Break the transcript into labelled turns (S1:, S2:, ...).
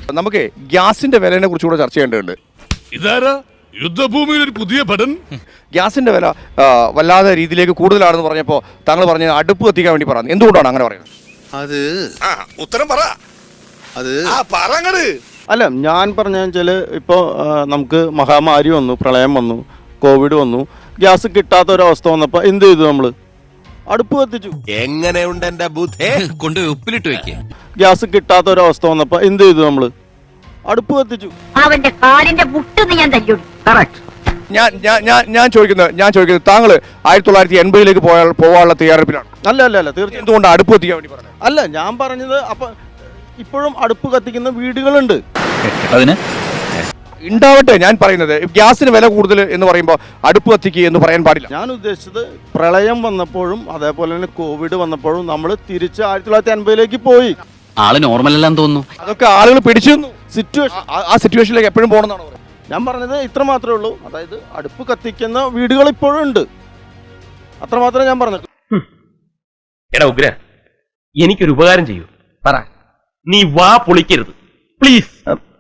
S1: നമുക്ക് ഗ്യാസിന്റെ വിലയെ കുറിച്ച് കൂടെ ചർച്ച ചെയ്യേണ്ടതുണ്ട്.
S2: ഇതാരാ യുദ്ധഭൂമിയിൽ ഒരു പുതിയ ഭടൻ?
S1: ഗ്യാസിന്റെ വില വല്ലാതെ രീതിയിലേക്ക് കൂടുതലാണെന്ന് പറഞ്ഞപ്പോൾ താങ്കൾ പറഞ്ഞ അടുപ്പ് കത്തിക്കാൻ വേണ്ടി പറഞ്ഞു. എന്തുകൊണ്ടാണ് അങ്ങനെ പറയുന്നത്?
S3: അത്
S2: ഉത്തരം പറ.
S3: അത്
S2: പറങ്ങട്.
S4: അല്ല, ഞാൻ പറഞ്ഞാൽ വെച്ചാൽ ഇപ്പോൾ നമുക്ക് മഹാമാരി വന്നു, പ്രളയം വന്നു, കോവിഡ് വന്നു, ഗ്യാസ് കിട്ടാത്ത ഒരവസ്ഥ വന്നപ്പോൾ എന്ത് ചെയ്തു? നമ്മൾ അടുപ്പ് കത്തിച്ചു.
S3: എങ്ങനെയുണ്ട് എന്റെ ബുദ്ധി?
S5: കൊണ്ടുപോയി ഉപ്പിലിട്ട് വെക്കേ.
S4: ഗ്യാസ് കിട്ടാത്ത ഒരവസ്ഥ വന്നപ്പോൾ എന്ത് ചെയ്തു? നമ്മൾ അടുപ്പ് കത്തിച്ചു.
S6: അവന്റെ കാലിന്റെ മുട്ടെന്ന് ഞാൻ തല്ലു.
S1: ഞാൻ ചോദിക്കുന്നത് താങ്കൾ 1980 പോകാനുള്ള തയ്യാറെടുപ്പിലാണ്?
S4: അല്ല, തീർച്ചയായും.
S1: എന്തുകൊണ്ട് അടുപ്പ് കത്തിക്കാൻ വേണ്ടി പറഞ്ഞത്?
S4: അല്ല, ഞാൻ പറഞ്ഞത് അപ്പം ഇപ്പോഴും അടുപ്പ് കത്തിക്കുന്ന വീടുകളുണ്ട്.
S5: അതിന്
S1: ഉണ്ടാവട്ടെ. ഞാൻ പറയുന്നത് ഗ്യാസിന് വില കൂടുതൽ എന്ന് പറയുമ്പോൾ അടുപ്പ് കത്തിക്കുക എന്ന് പറയാൻ പാടില്ല.
S4: ഞാൻ ഉദ്ദേശിച്ചത് പ്രളയം വന്നപ്പോഴും അതേപോലെ തന്നെ കോവിഡ് വന്നപ്പോഴും നമ്മൾ തിരിച്ച് 1980 പോയി.
S5: ആള് നോർമൽ അല്ലാന്ന് തോന്നുന്നു.
S1: അതൊക്കെ ആളുകൾ പിടിച്ചു
S4: സിറ്റുവേഷൻ,
S1: ആ സിറ്റുവേഷനിലേക്ക് എപ്പോഴും പോകണമെന്നാണ് പറയുന്നത്.
S4: ഞാൻ പറഞ്ഞത് ഇത്ര മാത്രമേ ഉള്ളൂ. അതായത് അടുപ്പ് കത്തിക്കുന്ന വീടുകൾ ഇപ്പോഴും ഉണ്ട്. അത്ര മാത്രമേ ഞാൻ പറഞ്ഞു.
S7: എടാ ഉഗ്ര, എനിക്കൊരു ഉപകാരം ചെയ്യൂ. പറ. നീ വാ പൊളിക്കരുത് പ്ലീസ്.